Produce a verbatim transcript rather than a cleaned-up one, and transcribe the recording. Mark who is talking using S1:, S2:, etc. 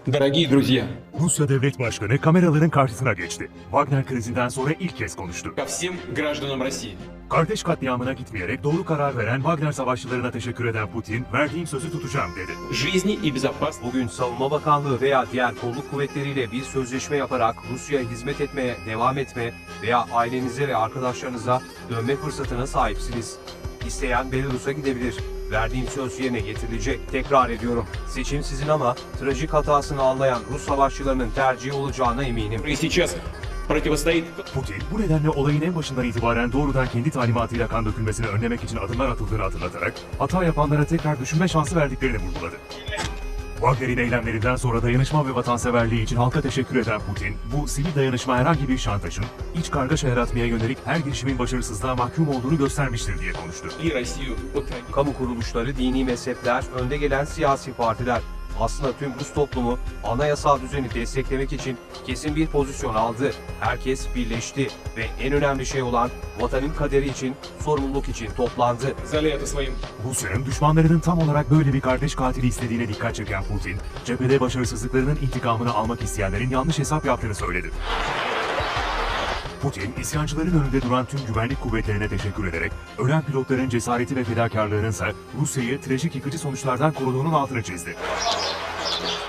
S1: Дорогие друзья,
S2: Rusya Devlet Başkanı kameraların karşısına geçti. Wagner krizinden sonra ilk kez konuştu.
S1: ко всем гражданам России.
S2: Kardeş katliamına gitmeyerek doğru karar veren Wagner savaşçılarına teşekkür eden Putin, verdiğim sözü tutacağım dedi.
S1: Жизни и безопасности.
S3: Bugün Savunma Bakanlığı veya diğer kolluk kuvvetleriyle bir sözleşme yaparak Rusya'ya hizmet etmeye devam etme veya ailenize ve arkadaşlarınıza dönme fırsatına sahipsiniz. İsteyen Belarus'a gidebilir. Verdiğim söz yerine getirilecek. Tekrar ediyorum. Seçim sizin ama trajik hatasını anlayan Rus savaşçılarının tercihi olacağına eminim.
S1: И сейчас противостоит.
S2: Putin, bu nedenle olayın en başından itibaren doğrudan kendi talimatıyla kan dökülmesini önlemek için adımlar atıldığını hatırlatarak, hata yapanlara tekrar düşünme şansı verdiklerini vurguladı. Wagner'in eylemlerinden sonra dayanışma ve vatanseverliği için halka teşekkür eden Putin, bu sivil dayanışma herhangi bir şantajın, iç kargaşa yaratmaya yönelik her girişimin başarısızlığa mahkum olduğunu göstermiştir diye konuştu.
S1: И Россию от трагедии.
S3: Kamu kuruluşları, dini mezhepler, önde gelen siyasi partiler aslında tüm Rus toplumu anayasal düzeni desteklemek için kesin bir pozisyon aldı. Herkes birleşti ve en önemli şey olan vatanın kaderi için, sorumluluk için toplandı.
S1: Сказали это своим.
S2: Rusya'nın düşmanlarının tam olarak böyle bir kardeş katili istediğine dikkat çeken Putin, cephede başarısızlıklarının intikamını almak isteyenlerin yanlış hesap yaptığını söyledi. Putin, isyancıların önünde duran tüm güvenlik kuvvetlerine teşekkür ederek, ölen pilotların cesareti ve fedakarlığının ise Rusya'yı trajik yıkıcı sonuçlardan koruduğunun altını çizdi.